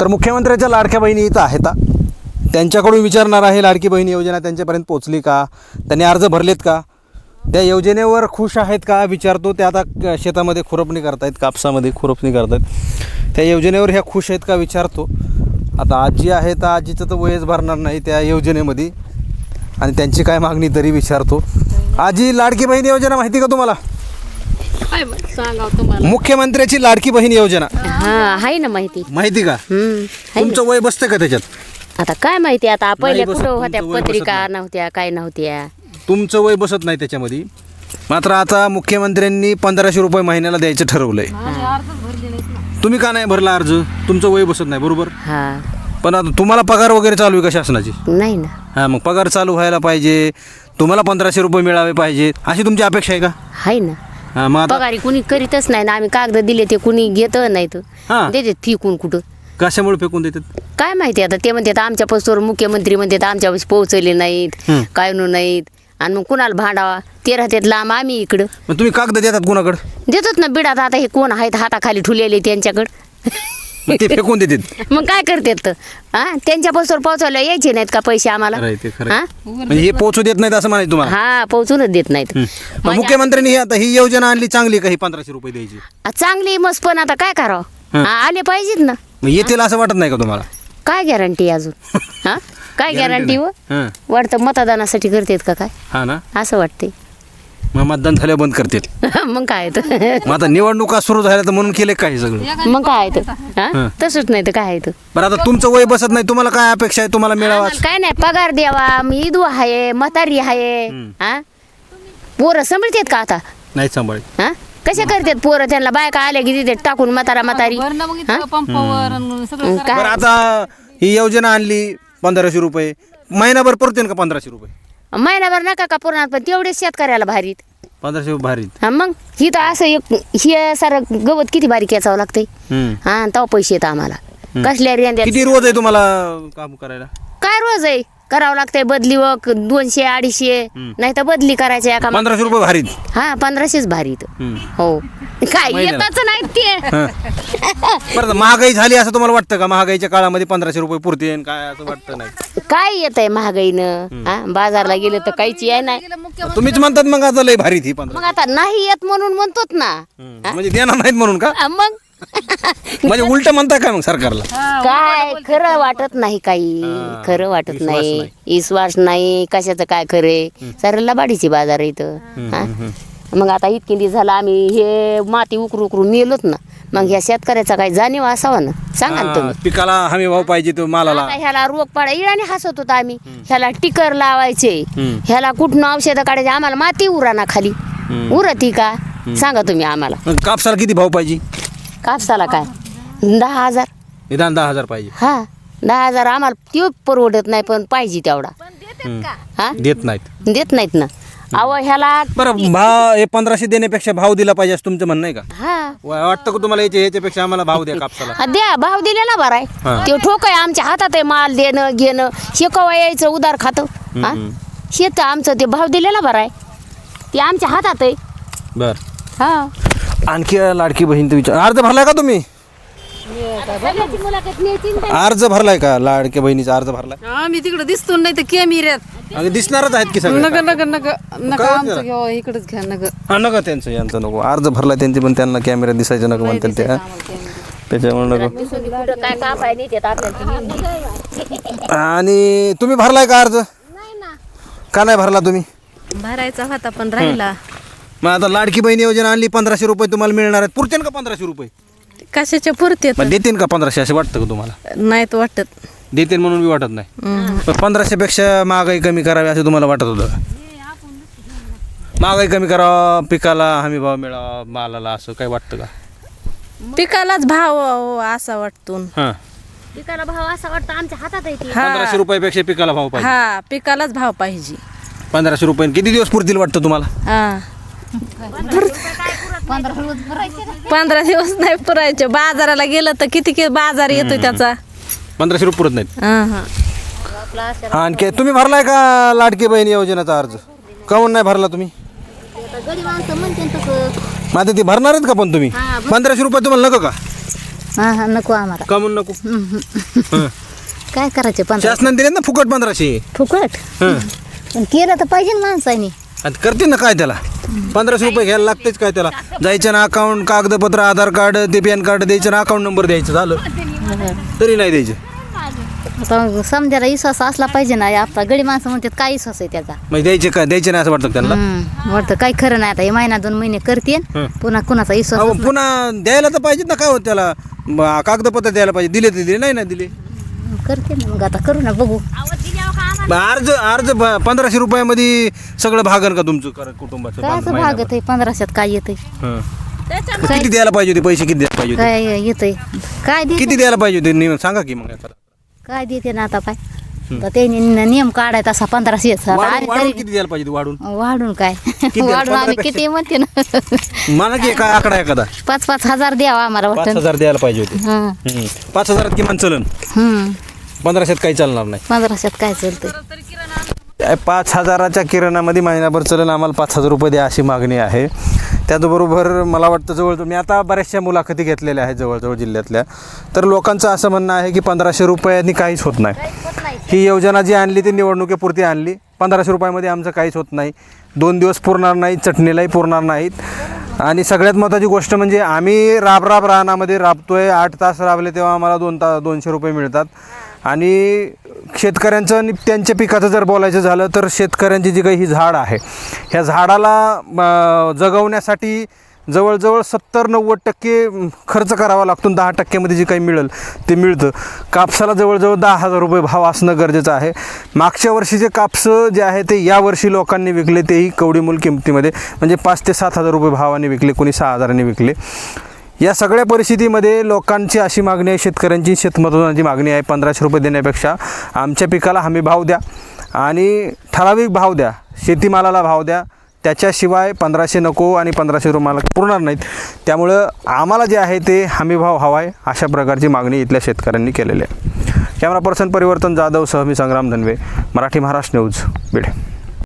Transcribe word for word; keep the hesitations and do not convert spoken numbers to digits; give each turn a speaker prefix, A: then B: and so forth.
A: तर मुख्यमंत्र्यांच्या लाडक्या बहिणी इथं आहेत, त्यांच्याकडून विचारणार आहे लाडकी बहीण योजना त्यांच्यापर्यंत पोचली का, त्यांनी अर्ज भरलेत का, त्या योजनेवर खुश आहेत का विचारतो. ते आता शेतामध्ये खुरपणी करतायत, कापसामध्ये खुरपणी करतायत, त्या योजनेवर ह्या खुश आहेत का विचारतो. आता आजी आहे तर आजीचं तर वयच भरणार नाही त्या योजनेमध्ये, आणि त्यांची काय मागणी तरी विचारतो. आजी, लाडकी बहीण योजना माहिती का तुम्हाला? मुख्यमंत्र्याची लाडकी बहीण योजना
B: हा आहे ना माहिती.
A: माहिती का? तुमचं वय बसतं का त्याच्यात?
B: आता काय माहिती, आता पहिले
A: बसत,
B: कुठं होत्या
A: तुमचं वय बसत
B: पत्रिका
A: नाही.
B: नव्हत्या, काय नव्हत्या.
A: तुमचं वय बसत नाही त्याच्यामध्ये. मात्र आता मुख्यमंत्र्यांनी पंधराशे रुपये महिन्याला द्यायचं ठरवलंय. तुम्ही का नाही भरला अर्ज? तुमचं वय बसत नाही, बरोबर.
B: हा
A: पण आता तुम्हाला पगार वगैरे चालू आहे का शासनाची?
B: नाही ना.
A: हां, मग पगार चालू व्हायला पाहिजे, तुम्हाला पंधराशे रुपये मिळावे पाहिजे, अशी तुमची अपेक्षा आहे का?
B: आहे ना.
A: हां, मग आता
B: पगारी कुणी करीतच नाही ना. आम्ही कागद दिले ते कुणी घेत नाही तर
A: हां.
B: देते फिकून कुठं.
A: कशामुळे फेकून देतात?
B: काय माहिती आता. ते म्हणतात आमच्या पस्तोर मुख्यमंत्री म्हणतात आमच्यापाशी पोहोचले नाहीत, काय नो नाहीत, आणि मग कुणाला भांडावा. ते राहतात लांब, आम्ही इकडं.
A: मग तुम्ही कागद देतात कुणाकडे?
B: देतात ना बिडात. आता हे कोण आहेत हाताखाली ठुलेले त्यांच्याकडं.
A: मग ते फेकून देतात.
B: मग काय करतात तर हा त्यांच्या पस्तोर पोहोचवलं यायचे नाहीत का पैसे आम्हाला?
A: खरंय ते, खरंय.
B: हा
A: म्हणजे हे पोहोचू देत नाहीत असं म्हणायचं तुम्हाला?
B: हा पोहोचूनच देत नाहीत.
A: मग मुख्यमंत्र्यांनी ही आता ही योजना आणली चांगली का, ही पंधराशे रुपये द्यायची?
B: आ, चांगली मस्त, पण आता काय करावं, हा, आले पाहिजेत ना.
A: मग येतील असं वाटत नाही का तुम्हाला?
B: काय गॅरंटी अजून? हा काय गॅरंटी व
A: हां,
B: वाटतं मतदानासाठी करतात का काय,
A: हां ना.
B: असं वाटते.
A: मग मतदान झाल्या बंद करतील.
B: मग काय तर
A: मग आता निवडणुका सुरू झाल्या तर म्हणून केले काय सगळं?
B: मग काय तर हा तसंच नाही तर काय तर.
A: बरं, आता तुमचं वय बसत नाही, तुम्हाला काय अपेक्षा आहे तुम्हाला मिळावा?
B: आम्हाला काय नाही, पगार द्यावा. मी इदू आहे, म्हातारी आहे. हा पोरं सांभाळतात का आता?
A: नाही सांभाळत.
B: हा कशा करतात पोरं? त्यांना बायका आल्या की तिथे टाकून म्हातारा म्हातारी.
C: पंपावर सगळं
A: बरं,
B: काय
A: आता ही योजना आणली पंधराशे रुपये महिनाभर पुरतील का? पंधराशे रुपये
B: महिनाभर नका का पुरणार, पण तेवढेच शेतकऱ्याला भारीत.
A: पंधराशे रुपये भारी.
B: हा मग ही तर असं एक हे सारं गवत किती बारीक याचावं लागतंय. हा तेव्हा पैसे येतात आम्हाला. कसल्या रेंद्यात
A: किती रोज आहे तुम्हाला काम करायला?
B: काय रोज आहे करावं लागतंय बदली व दोनशे अडीचशे नाही तर बदली करायची एका.
A: पंधराशे रुपये भारीत.
B: हा पंधराशेच भारीत. हो काय
A: महिन्याला.
B: येतच नाही ते.
A: बरं, आता महागाई झाली असं तुम्हाला वाटतं का? महागाईच्या काळामध्ये पंधराशे रुपये पुरते काय असं वाटतं? नाही.
B: काय येत आहे महागाईनं? हा बाजारला गेलं तर काहीच आहे नाही.
A: तुम्हीच म्हणतात मग आता लय भारीत ही पंधरा.
B: मग आता नाही येत म्हणून म्हणतोत ना.
A: म्हणजे देणार नाहीत म्हणून का?
B: हा, मग
A: म्हणजे उलट म्हणताय काय मग सरकारला?
B: काय खरं वाटत नाही, काही खरं वाटत
A: विश्वास
B: नाही.
A: नाही.
B: विश्वास नाही कशाचं काय खरे. सर लबाडीची बाजार आहे इथं. हा मग आता इतके दिवस झाला आम्ही हे माती उकरू उकरू मेलोत ना. मग ह्या शेतकऱ्याचा काही जाणीव असावा ना, सांगा ना तुम्ही.
A: हा, पिकाला हमी भाव पाहिजे तो मालाला.
B: आता ह्याला रोग पाडा इळाने हसत होता आम्ही. ह्याला टिकर लावायचे, ह्याला कुठनं औषधं काढायचे. आम्हाला माती उराना खाली उरती का सांगा तुम्ही आम्हाला.
A: मग कापसाला किती भाव पाहिजे?
B: कापसाला काय दहा हजार.
A: निदान दहा हजार पाहिजे.
B: हा दहा हजार आम्हाला ते परवडत नाही, पण पाहिजे तेवढा. हा
A: देत नाहीत.
B: देत नाहीत ना. अहो ह्याला
A: बरं, भाव हे पंधराशे देण्यापेक्षा भाव दिला पाहिजे असं तुमचं म्हणणं आहे का?
B: हा
A: वा- वाटतं का तुम्हाला याच्या ह्याच्यापेक्षा आम्हाला भाव द्या कापसाला?
B: हा, द्या भाव दिलेला बरा
A: हा.
B: आहे. ते ठोक आहे आमच्या हातात आहे. माल देणं घेणं शेकवा यायचं उदार खातं. हा शेत आमचं ते भाव दिलेला बरा आहे. ते आमच्या हातात आहे.
A: बर,
B: हा
A: आणखी लाडकी बहीण तर विचार अर्ज भरलाय का तुम्ही? अर्ज भरलाय का? लाडक्या बहिणीचा अर्ज भरलाय?
C: आम्ही तिकडे दिसतो नाही तर कॅमेऱ्यात.
A: अगं दिसणारच आहेत की सगळे.
C: नका नका नका नका
A: काय
C: आमचं
A: करा?
C: घ्या इकडेच घ्या नका.
A: हा, नका त्यांचं यांचं नको. अर्ज भरला त्यांचे पण त्यांना कॅमेरा दिसायचं नका म्हणतात ते. हा? त्याच्यामुळे नको.
B: काय कापाय नाही देत आपल्याला.
A: आणि तुम्ही भरलाय का अर्ज? का नाही भरला तुम्ही?
C: भरायचा होता पण राहिला.
A: मग आता लाडकी बहीण योजना आणली, पंधराशे रुपये तुम्हाला मिळणार आहेत. पुरतील का पंधराशे रुपये?
C: कशाच्या पुरतेत
A: मग देतील का पंधराशे असं वाटतं का तुम्हाला?
C: नाहीत वाटत.
A: देतील म्हणून बी वाटत नाही. पण पंधराशे पेक्षा महागाई कमी करावी असं तुम्हाला वाटत होतं का? महागाई कमी करावा, पिकाला हमी भाव मिळावा, मालाला, असं काय वाटतं का?
C: पिकालाच भाव असा वाटतो.
A: हां,
B: पिकाला भाव असा वाटतं आमच्या हातात आहे ते.
A: पंधराशे रुपयापेक्षा पिकाला भाव पाहिजे.
C: हा पिकालाच भाव पाहिजे.
A: पंधराशे रुपये किती दिवस पुरतील वाटतं तुम्हाला?
C: हा पंधरा दिवस नाही पुरायचे. बाजाराला गेलं तर किती किती बाजार येतो त्याचा.
A: पंधराशे रुपये पुरत नाहीत.
C: हा हा
A: हा, आणखी तुम्ही भरलाय का लाडकी बहीण योजनेचा अर्ज? काहून नाही भरला तुम्ही?
B: गरीब माणसं म्हणते तसं.
A: मग आता ती भरणार आहेत का पण तुम्ही? पंधराशे रुपये तुम्हाला नको का?
D: हा हा नको आम्हाला
A: का म्हणून नको हं.
D: काय करायचे पंधरा
A: शासनाने दिले ना फुकट पंधराशे
D: फुकट
A: हं.
D: पण केलं तर पाहिजे ना माणसाने
A: आणि करते ना काय त्याला पंधराशे रुपये घ्यायला लागतेच काय त्याला जायचं ना अकाउंट कागदपत्र आधार कार्ड ते पॅन कार्ड द्यायचं ना अकाउंट नंबर द्यायचं झालं तरी नाही द्यायचं
D: आता समजायला विश्वास असला पाहिजे ना आपला गडी माणसं म्हणतात काय विश्वास आहे त्याचा
A: म्हणजे द्यायचे काय द्यायचे नाही असं वाटतं त्यांना
D: हम्म. वाटतं काही खरं नाही आता हे महिना दोन महिने करते
A: हं.
D: पुन्हा कुणाचा विश्वास
A: अहो पुन्हा द्यायला तर पाहिजेत ना काय होत त्याला ब- कागदपत्र द्यायला पाहिजे दिले तर दिले नाही ना दिले
D: करते ना मग आता करू ना बघू
A: मग अर्ज अर्ज ब- पंधराशे रुपयामध्ये सगळं भागन का तुमचं कर- कुटुंबाचं
D: काय असं
A: महिनाभर?
D: भागत आहे पंधराशेत काय येतंय
A: हं. मग किती द्यायला पाहिजे होते पैसे किती द्यायला पाहिजे होते
D: काय येतंय काय दे
A: किती द्यायला पाहिजे होते नियम सांगा की मग एखादा.
D: काय देते ना आता पाय तर त्यांनी न- नियम काढायचा असा पंधराशे येत. आता
A: वाढून
D: आम्ही
A: वाढून
D: तरी
A: किती द्यायला पाहिजे होते वाढून
D: वाढून काय
A: द्याल?
D: वाढून आम्ही
A: पंधरापेक्षा?
D: किती म्हणते ना
A: मला की काय आकडा एखादा
D: पाच पाच हजार द्यावा आम्हाला
A: पाच
D: वाटतं
A: हजार द्यायला पाहिजे होते
D: हं
A: हं. पाच हजारात किमान चलन
D: हं
A: पंधराशेत काही चालणार नाही
D: पंधराशेत काय चालतंय
A: काय पाच हजाराच्या किराणामध्ये महिनाभर चलन आम्हाला पाच हजार रुपये द्या अशी मागणी आहे त्याचबरोबर मला वाटतं जवळ मी आता बऱ्याचशा मुलाखती घेतलेल्या आहेत जवळजवळ जिल्ह्यातल्या तर लोकांचं असं म्हणणं आहे की पंधराशे रुपयांनी काहीच होत नाही ही योजना जी आणली ती निवडणुकीपुरती आणली पंधराशे रुपयामध्ये आमचं काहीच होत नाही दोन दिवस पुरणार नाहीत चटणीलाही पुरणार नाहीत आणि सगळ्यात महत्त्वाची गोष्ट म्हणजे आम्ही राब राब रानामध्ये राबतोय आठ तास राबले तेव्हा आम्हाला दोन तास दोनशे रुपये मिळतात आणि शेतकऱ्यांचं आणि त्यांच्या पिकाचं जर बोलायचं झालं तर शेतकऱ्यांची जी काही ही झाड आहे ह्या झाडाला अं, जगवण्यासाठी जवळजवळ सत्तर नव्वद टक्के खर्च करावा लागतो दहा टक्क्यामध्ये जे काही मिळेल ते मिळतं कापसाला जवळजवळ दहा हजार रुपये भाव असणं गरजेचं आहे मागच्या वर्षीचे कापसं जे आहे ते यावर्षी लोकांनी विकले तेही कवडीमूल किमतीमध्ये म्हणजे पाच ते सात हजार रुपये भावाने विकले कोणी सहा हजारांनी विकले या सगळ्या परिस्थितीमध्ये लोकांची अशी मागणी आहे शेतकऱ्यांची शेतमजुरांची मागणी आहे पंधराशे रुपये देण्यापेक्षा आमच्या पिकाला हमी भाव द्या आणि ठराविक भाव द्या शेतीमालाला भाव द्या त्याच्याशिवाय पंधराशे नको आणि पंधराशे रुपयाला पुरणार नाहीत त्यामुळं आम्हाला जे आहे ते हमी भाव हवा आहे अशा प्रकारची मागणी इथल्या शेतकऱ्यांनी केलेली आहे कॅमेरा पर्सन परिवर्तन जाधव सह मी संग्राम धनवे मराठी महाराष्ट्र न्यूज बीड